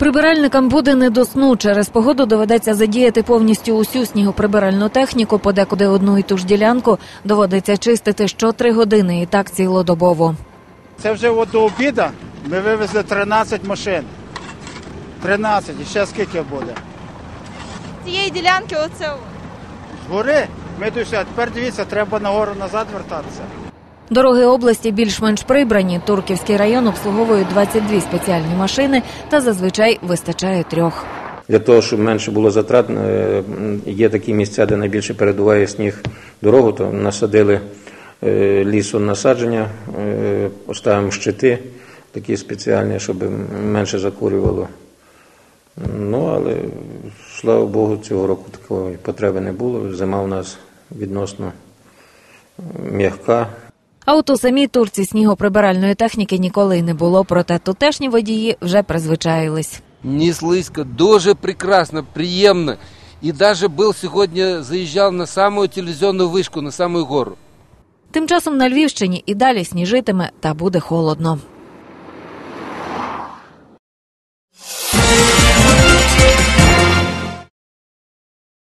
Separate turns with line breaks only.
Прибиральникам буде не до сну. Через погоду доведеться задіяти повністю усю снігоприбиральну техніку, подекуди одну і ту ж ділянку доводиться чистити що 3 години і так цілодобово.
Це вже до обіду ми вивезли 13 машин. 13, і ще скільки буде?
Цієї ділянки оце?
Згори ми дійшли, а тепер дивіться, треба нагору назад вертатися.
Дороги області більш-менш прибрані. Турківський район обслуговує 22 спеціальні машини та зазвичай вистачає 3.
Для того, щоб менше було затрат, є такі місця, де найбільше передуває сніг дорогу, то насадили лісонасадження, поставимо щити такі спеціальні, щоб менше закурювало. Ну, але, слава Богу, цього року такої потреби не було. Зима у нас відносно м'яка.
А от у самій Турці снігоприбиральної техніки ніколи не було, проте тутешні водії вже призвичаїлись.
Не слизько, дуже прекрасно, приємно. І навіть сьогодні заїжджав на саму телевізійну вишку, на саму гору.
Тим часом на Львівщині і далі сніжитиме та буде холодно.